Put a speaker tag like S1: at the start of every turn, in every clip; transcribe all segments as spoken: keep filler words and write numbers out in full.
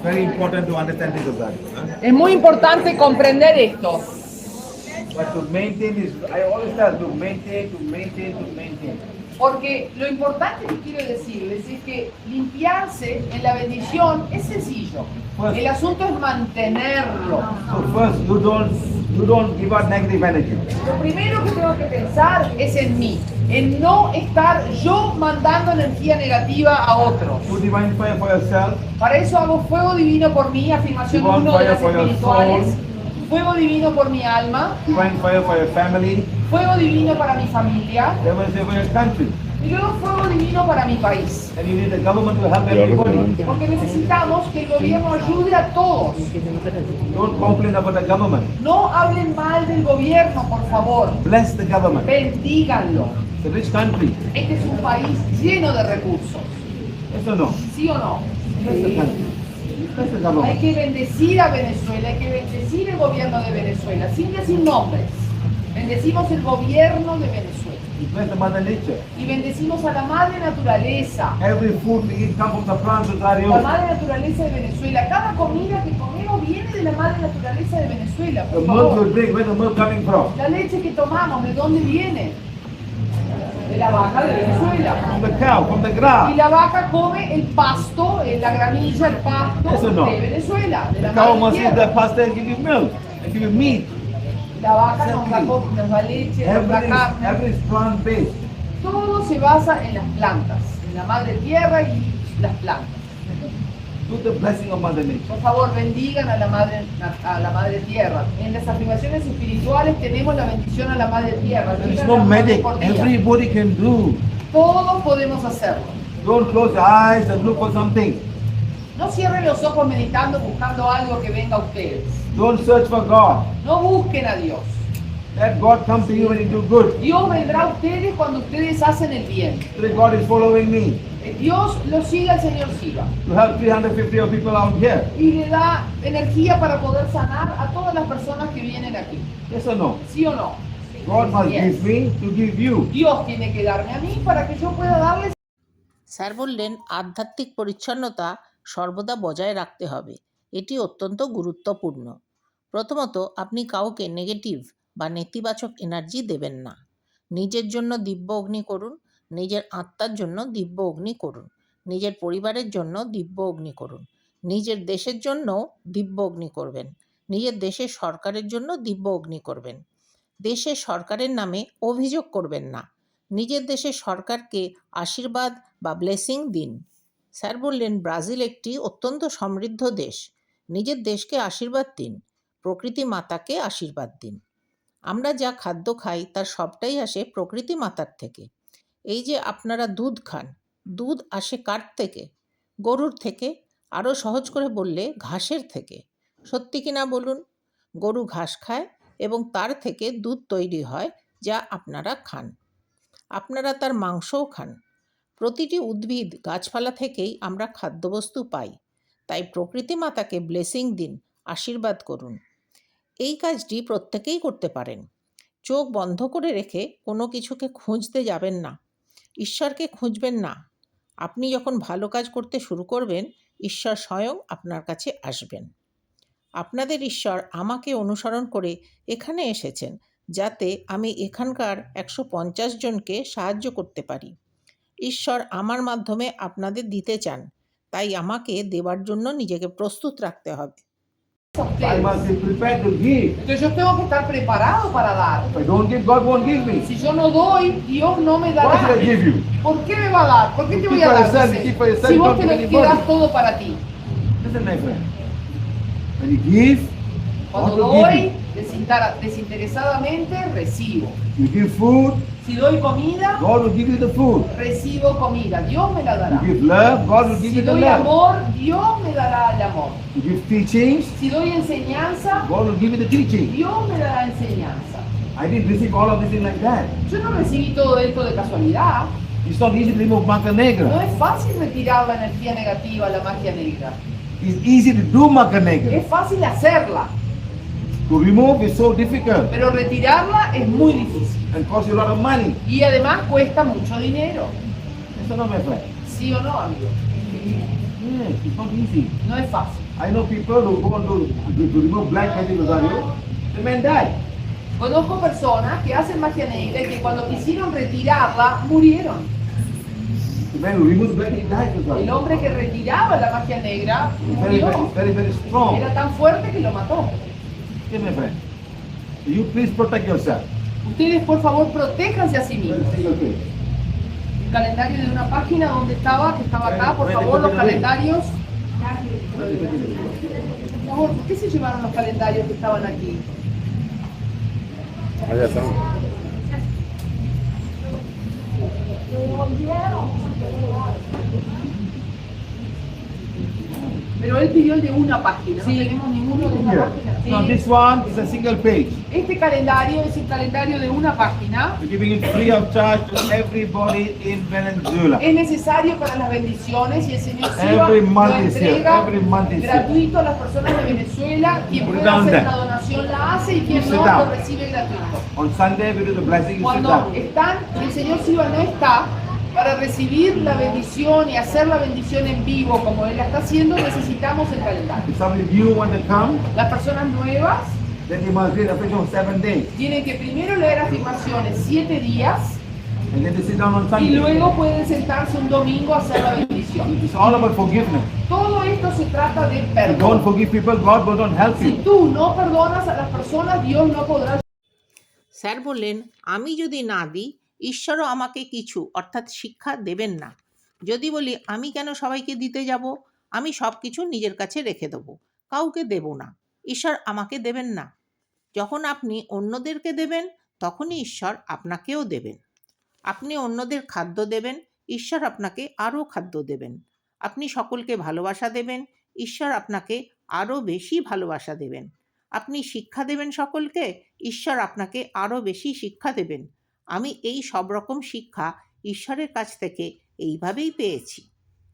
S1: very important to understand this, Azari. Huh?
S2: Es muy importante comprender esto.
S1: But to maintain is, I always tell to maintain, to maintain, to maintain.
S2: Porque lo importante que quiero decirles es que limpiarse en la bendición es sencillo. El asunto es mantenerlo.
S1: So first, you don't, you don't give out negative energy.
S2: Lo primero que tengo que pensar es en mí, en no estar yo mandando energía negativa a otros.
S1: Do divine fire for yourself.
S2: Para eso hago fuego divino por mí, afirmación
S1: Divine
S2: uno de las
S1: fire for your
S2: espirituales.
S1: soul.
S2: Fuego divino por mi alma,
S1: Divine fire for your family.
S2: fuego divino para mi familia
S1: Divine fire for your country.
S2: y luego fuego divino para mi país.
S1: And you need the government to help everybody.
S2: Porque necesitamos que el gobierno ayude a todos.
S1: Don't complain about the government.
S2: No hablen mal del gobierno, por favor.
S1: Bless the government.
S2: Bendíganlo.
S1: It's a rich country.
S2: Este es un país lleno de recursos.
S1: Yes or no?
S2: ¿Sí o no?
S1: Bless the country. Bless the
S2: Hay
S1: government.
S2: que bendecir a Venezuela, hay que bendecir el gobierno de Venezuela, sin decir nombres. Bendecimos el gobierno de Venezuela.
S1: Bless the mother nature.
S2: Y bendecimos a la madre naturaleza.
S1: Every food we eat comes from the plants of
S2: La
S1: Dario.
S2: madre naturaleza de Venezuela. Cada comida que comemos viene de la madre naturaleza de Venezuela.
S1: The
S2: Por
S1: milk
S2: favor.
S1: you drink, where's the milk coming from?
S2: La leche que tomamos, ¿de dónde viene? De la vaca de Venezuela.
S1: From the cow, from the
S2: Y
S1: grass.
S2: la vaca come el pasto, eh, la gramilla, el pasto
S1: Eso no.
S2: de Venezuela, de
S1: The
S2: la
S1: cow
S2: madre
S1: must eat
S2: tierra.
S1: the pasta and give you milk. And give you meat.
S2: La vaca nos da, co- nos da leche, nos da
S1: Everything,
S2: carne.
S1: everything is plant based.
S2: Todo se basa en las plantas, en la madre tierra y las plantas.
S1: Do the blessing of Mother Nature.
S2: Por favor, bendigan a la madre, a la madre tierra. En las afirmaciones espirituales tenemos la bendición a la madre tierra.
S1: There is
S2: Díganla
S1: no
S2: una vez
S1: magic.
S2: por día.
S1: Everybody can do.
S2: Todos podemos hacerlo.
S1: Don't close your eyes and look for something.
S2: No cierren los ojos meditando, buscando algo que venga a ustedes.
S1: Don't search for God.
S2: No busquen a Dios.
S1: Let God come to you when you do good.
S2: Dios vendrá a ustedes cuando ustedes hacen el bien.
S1: Today God is following me
S2: Eh, Dios lo siga, el Señor siga.
S1: to help three hundred fifty of people out here.
S2: Y le da energía para poder sanar a todas las personas que vienen aquí.
S1: Yes or no?
S2: ¿Sí o no?
S1: God must
S2: Yes.
S1: give me to give you.
S2: Dios tiene que darme a mí para que yo pueda darles.
S3: Sir বললেন আধ্যাত্মিক পরিচ্ছন্নতা সর্বদা বজায় রাখতে হবে, এটি অত্যন্ত গুরুত্বপূর্ণ। প্রথমত, আপনি কাউকে নেগেটিভ বা নেতিবাচক এনার্জি দেবেন না। নিজের জন্য দিব্য অগ্নি করুন, নিজের আত্মার জন্য দিব্য অগ্নি করুন, নিজের পরিবারের জন্য দিব্য অগ্নি করুন, নিজের দেশের জন্যও দিব্য অগ্নি করবেন, নিজের দেশের সরকারের জন্য দিব্য অগ্নি করবেন। দেশের সরকারের নামে অভিযোগ করবেন না, নিজের দেশের সরকারকে আশীর্বাদ বা ব্লেসিং দিন। স্যার বললেন ব্রাজিল একটি অত্যন্ত সমৃদ্ধ দেশ, নিজের দেশকে আশীর্বাদ দিন, প্রকৃতি মাতাকে আশীর্বাদ দিন। আমরা যা খাদ্য খাই তার সবটাই আসে প্রকৃতি মাতার থেকে। এই যে আপনারা দুধ খান, দুধ আসে কার থেকে? গরুর থেকে। আরও সহজ করে বললে ঘাসের থেকে। সত্যি কি না বলুন? গরু ঘাস খায় এবং তার থেকে দুধ তৈরি হয় যা আপনারা খান। আপনারা তার মাংসও খান। প্রতিটি উদ্ভিদ গাছপালা থেকেই আমরা খাদ্যবস্তু পাই। তাই প্রকৃতি মাতাকে ব্লেসিং দিন, আশীর্বাদ করুন। এই কাজটি প্রত্যেকেই করতে পারেন। চোখ বন্ধ করে রেখে কোনো কিছুকে খুঁজতে যাবেন না, ঈশ্বরকে খুঁজবেন না। আপনি যখন ভালো কাজ করতে শুরু করবেন, ঈশ্বর স্বয়ং আপনার কাছে আসবেন। আপনাদের ঈশ্বর আমাকে অনুসরণ করে এখানে এসেছেন যাতে আমি এখানকার একশো পঞ্চাশ জনকে সাহায্য করতে পারি। ঈশ্বর আমার মাধ্যমে আপনাদের দিতে চান, তাই আমাকে দেওয়ার জন্য নিজেকে প্রস্তুত রাখতে হবে।
S1: I must be prepared to give.
S2: Entonces yo tengo que estar preparado para dar.
S1: If I don't give, God won't give me.
S2: Si yo no doy, Dios no me
S1: Why should I
S2: dará.
S1: give you?
S2: ¿Por qué me va a dar? ¿Por qué te
S1: Keep
S2: voy a
S1: for
S2: dar?
S1: yourself,
S2: Dice,
S1: keep for yourself,
S2: si vos
S1: don't
S2: te
S1: give
S2: lo
S1: anybody.
S2: quedas todo para ti.
S1: Listen, my friend. When you give,
S2: Cuando
S1: God will give
S2: doy
S1: you.
S2: desinter- desinteresadamente, recibo.
S1: You give food,
S2: Si doy comida,
S1: God will give you the food.
S2: recibo comida. Dios me la
S1: You
S2: dará.
S1: give love, God will give
S2: Si
S1: you the
S2: doy
S1: love.
S2: amor, Dios me dará el amor.
S1: You give teachings,
S2: Si doy enseñanza,
S1: God will give you the teaching.
S2: Dios me dará enseñanza.
S1: I didn't receive all of this thing like that.
S2: Yo no recibí todo esto de casualidad.
S1: It's not easy to remove maca
S2: No
S1: negra.
S2: es fácil retirar la energía negativa, la magia negra.
S1: It's easy to do maca negra.
S2: Es fácil hacerla,
S1: To remove is so difficult
S2: pero retirarla es muy difícil.
S1: and costs you a lot of money.
S2: Y además cuesta mucho dinero.
S1: Yes or no, my friend?
S2: ¿Sí o no, amigo?
S1: Yes, it's not easy.
S2: No es fácil.
S1: I know people who go on to, to, to remove black magic rosario, the men die.
S2: Conozco personas que hacen magia negra y que cuando quisieron retirarla, murieron.
S1: The man who removes black, he dies
S2: El
S1: rosario.
S2: hombre que retiraba la magia negra
S1: It's very, very,
S2: murió.
S1: very, very strong.
S2: Era tan fuerte que lo mató.
S1: Okay, my friend. You please protect yourself.
S2: Ustedes, por favor, protéjanse a sí
S1: Very
S2: mismos.
S1: single page.
S2: El calendario de una página donde estaba, que estaba acá, por favor, los calendarios. Por favor, ¿por qué se llevaron los calendarios que estaban aquí?
S4: Allá están.
S2: Pero él pidió el de una página, no tenemos ninguno de una
S1: Here.
S2: página.
S1: Now
S2: Sí.
S1: this one is a single page.
S2: Este calendario es el calendario de una página.
S1: We're giving it free of charge to everybody in Venezuela.
S2: Es necesario para las bendiciones y el Señor Siva
S1: Every
S2: lo
S1: month is here.
S2: entrega
S1: Every month is here.
S2: gratuito a las personas de Venezuela. Quien
S1: Put it
S2: pueda
S1: down
S2: hacer
S1: there.
S2: una donación la hace y quien
S1: Sit
S2: no
S1: down.
S2: lo recibe gratuito.
S1: On Sunday we do the blessing, you sit
S2: Cuando
S1: down.
S2: están, el Señor Siva no está para recibir la bendición y hacer la bendición en vivo como Él la está haciendo, necesitamos el calendario.
S1: If some of you want to come,
S2: Las personas nuevas
S1: then you must read the affirmation of seven days.
S2: tienen que primero leer afirmaciones siete días
S1: And then they sit down on
S2: y
S1: Sunday.
S2: luego pueden sentarse un domingo a hacer la bendición.
S1: It's all about forgiveness.
S2: Todo esto se trata de
S1: If you don't
S2: perdón.
S1: forgive people, God will not help
S2: Si
S1: you.
S2: tú no perdonas a las personas, Dios no podrá.
S3: Sir বললেন, আমি যদি না দিই ঈশ্বরও আমাকে কিছু অর্থাৎ শিক্ষা দেবেন না। যদি বলি আমি কেন সবাইকে দিতে যাব, আমি সব কিছু নিজের কাছে রেখে দেবো, কাউকে দেব না, ঈশ্বর আমাকে দেবেন না। যখন আপনি অন্যদেরকে দেবেন তখনই ঈশ্বর আপনাকেও দেবেন। আপনি অন্যদের খাদ্য দেবেন, ঈশ্বর আপনাকে আরও খাদ্য দেবেন। আপনি সকলকে ভালোবাসা দেবেন, ঈশ্বর আপনাকে আরও বেশি ভালোবাসা দেবেন। আপনি শিক্ষা দেবেন সকলকে, ঈশ্বর আপনাকে আরও বেশি শিক্ষা দেবেন। আমি এই সব রকম শিক্ষা ঈশ্বরের কাছ থেকে এইভাবেই পেয়েছি।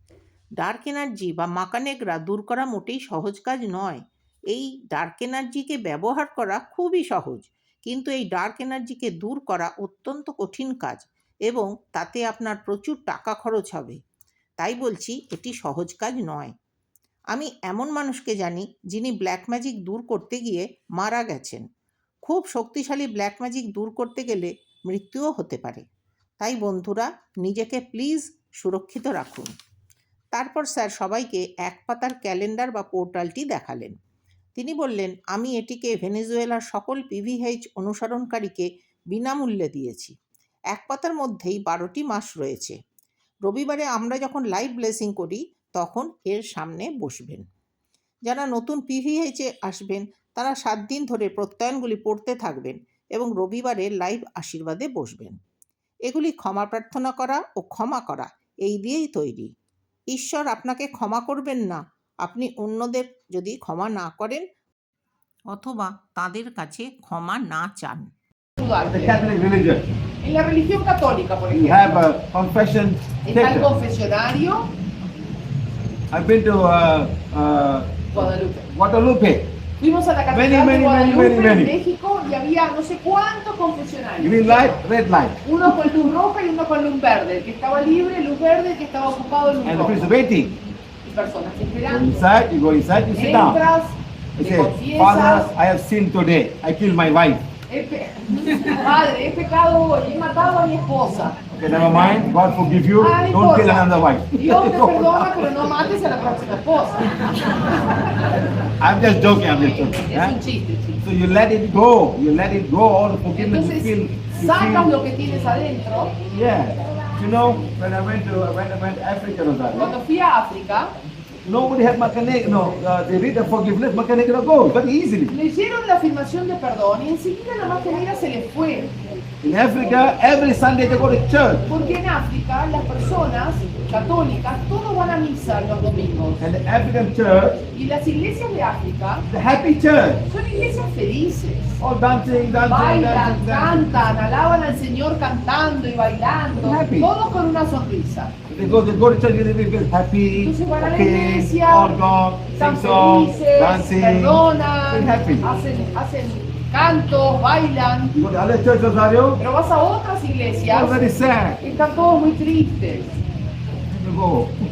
S3: ডার্ক এনার্জি বা মাকানেগরা দূর করা মোটেই সহজ কাজ নয়। এই ডার্ক এনার্জিকে ব্যবহার করা খুবই সহজ, কিন্তু এই ডার্ক এনার্জিকে দূর করা অত্যন্ত কঠিন কাজ এবং তাতে আপনার প্রচুর টাকা খরচ হবে। তাই বলছি এটি সহজ কাজ নয়। আমি এমন মানুষকে জানি যিনি ব্ল্যাক ম্যাজিক দূর করতে গিয়ে মারা গেছেন। খুব শক্তিশালী ব্ল্যাক ম্যাজিক দূর করতে গেলে মৃত্যুও হতে পারে। তাই বন্ধুরা, নিজেকে প্লিজ সুরক্ষিত রাখুন। তারপর স্যার সবাইকে এক পাতার ক্যালেন্ডার বা পোর্টালটি দেখালেন। তিনি বললেন, আমি এটিকে ভেনেজুয়েলার সকল পিভিএইচ অনুসরণকারীকে বিনামূল্যে দিয়েছি। এক পাতার মধ্যেই বারোটি মাস রয়েছে। রবিবারে আমরা যখন লাইভ ব্লেসিং করি তখন এর সামনে বসবেন। যারা নতুন পিভিএইচে আসবেন তারা সাত দিন ধরে প্রত্যয়নগুলি পড়তে থাকবেন এবং রবিবারে লাইভ আশীর্বাদে বসবেন। এগুলি ক্ষমা প্রার্থনা করা ও ক্ষমা করা এই দিয়েই তৈরি। ঈশ্বর আপনাকে ক্ষমা করবেন না আপনি অন্যদের যদি ক্ষমা না করেন অথবা তাদের কাছে ক্ষমা না চান।
S1: The Catholic religion.
S2: En la religión católica, por
S1: We
S2: ejemplo,
S1: have a confession
S2: está el
S1: center.
S2: confesionario
S1: I've been to uh, uh,
S2: Guadalupe.
S1: Guadalupe.
S2: Fuimos a la
S1: Many,
S2: catedral
S1: many,
S2: de
S1: many,
S2: Guadalupe
S1: many, many.
S2: en México y había no sé cuántos confesionarios.
S1: Green light, red light.
S2: Uno con luz roja y uno con luz verde. El que estaba libre, luz verde, el que estaba ocupado, luz
S1: And the priest is
S2: roja.
S1: waiting.
S2: Y personas
S1: Go
S2: esperando.
S1: inside, you go inside, you sit down.
S2: Entras,
S1: I
S2: te
S1: say, Father,
S2: confiesas.
S1: I have sinned today. I killed my wife.
S2: He pe- Padre, he pecado hoy, he matado a mi esposa.
S1: Okay, never mind. God forgive you.
S2: Ah, no
S1: Don't kill
S2: importa.
S1: another wife.
S2: Dios te perdona, pero no mates a la próxima esposa.
S1: I'm just joking. I'm just joking.
S2: Es un
S1: huh?
S2: chiste, chiste.
S1: So you let it go. You let it go. All the forgiveness you feel.
S2: Entonces,
S1: You
S2: sacas
S1: feel
S2: lo que tienes adentro.
S1: yeah. You know, when I went to when I went to Africa, Rosario,
S2: Cuando fui a África,
S1: nobody had Macanegra. No, uh, they read the forgiveness. Macanegra goes very easily.
S2: leyeron la afirmación de perdón y enseguida la magia negra se les fue.
S1: In Africa, every Sunday they go to church,
S2: Porque en África las personas católicas todos van a misa los domingos.
S1: and the African church,
S2: Y las iglesias de África
S1: the happy church,
S2: son iglesias felices.
S1: all dancing, dancing,
S2: Bailan,
S1: dancing, dancing.
S2: cantan, alaban al Señor cantando y bailando,
S1: Happy.
S2: todos con una sonrisa.
S1: They go, they go to church, they feel happy,
S2: Entonces van a la
S1: okay,
S2: iglesia,
S1: all gone,
S2: Están
S1: sing songs,
S2: felices,
S1: dancing,
S2: perdonan,
S1: feel happy.
S2: hacen, hacen cantos, bailan.
S1: You go to other church, Rosario,
S2: Pero vas a otras iglesias,
S1: all very sad.
S2: están todos muy tristes.
S1: You go,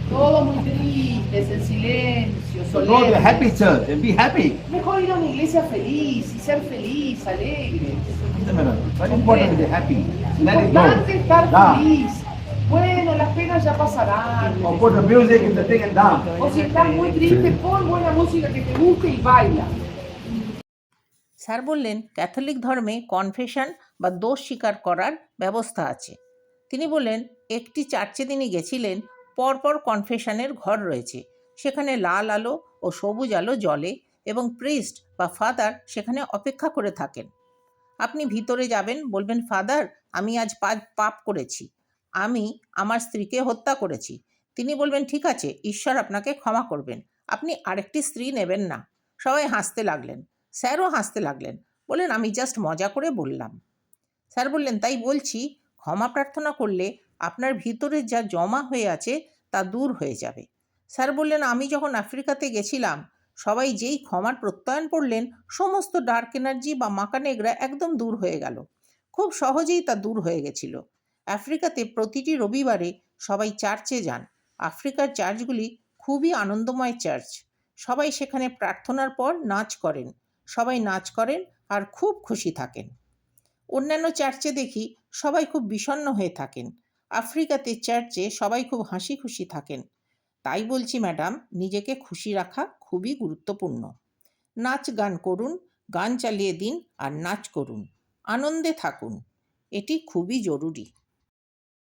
S2: Todo muy tristes, en silencio,
S1: So go to a happy
S2: solemnes.
S1: church and be happy.
S2: Mejor ir a una iglesia feliz y ser feliz, alegre.
S1: Very important to be happy. Let it
S2: Importante
S1: go.
S2: estar
S1: Down.
S2: feliz. Bueno, las penas ya pasarán.
S1: Or put the music and the thing and down.
S2: O si estás muy triste, pon buena música que te guste y baila.
S3: Sir বললেন Catholic ধর্মে confession বা দোষ স্বীকার করার ব্যবস্থা আছে। তিনি বললেন একটি চার্চে তিনি গেছিলেন, পরপর কনফেশনের ঘর রয়েছে, সেখানে লাল আলো ও সবুজ আলো জ্বলে এবং প্রিস্ট বা ফাদার সেখানে অপেক্ষা করে থাকেন। আপনি ভিতরে যাবেন, বলবেন ফাদার আমি আজ পা- পাপ করেছি, আমি আমার স্ত্রীকে হত্যা করেছি। তিনি বলবেন ঠিক আছে, ঈশ্বর আপনাকে ক্ষমা করবেন, আপনি আরেকটি স্ত্রী নেবেন না। সবাই হাসতে লাগলেন, স্যারও হাসতে লাগলেন, বললেন আমি জাস্ট মজা করে বললাম। স্যার বললেন তাই বলছি, ক্ষমা প্রার্থনা করলে আপনার ভিতরে যা জমা হয়ে আছে তা দূর হয়ে যাবে। স্যার বললেন আমি যখন আফ্রিকাতে গেছিলাম, সবাই যেই ক্ষমার প্রত্যয়ন করলেন, সমস্ত ডার্ক এনার্জি বা মাকানেগরা একদম দূর হয়ে গেল, খুব সহজেই তা দূর হয়ে গেছিল। আফ্রিকাতে প্রতিটি রবিবারে সবাই চার্চে যান। আফ্রিকার চার্চগুলি খুবই আনন্দময় চার্চ। সবাই সেখানে প্রার্থনার পর নাচ করেন, সবাই নাচ করেন আর খুব খুশি থাকেন। অন্যান্য চার্চে দেখি সবাই খুব বিষণ্ণ হয়ে থাকেন, আফ্রিকাতে চার্চে সবাই খুব হাসি খুশি থাকেন। তাই বলছি ম্যাডাম, নিজেকে খুশি রাখা খুবই গুরুত্বপূর্ণ। নাচ গান করুন, গান চালিয়ে দিন আর নাচ করুন, আনন্দে থাকুন, এটি খুবই জরুরি।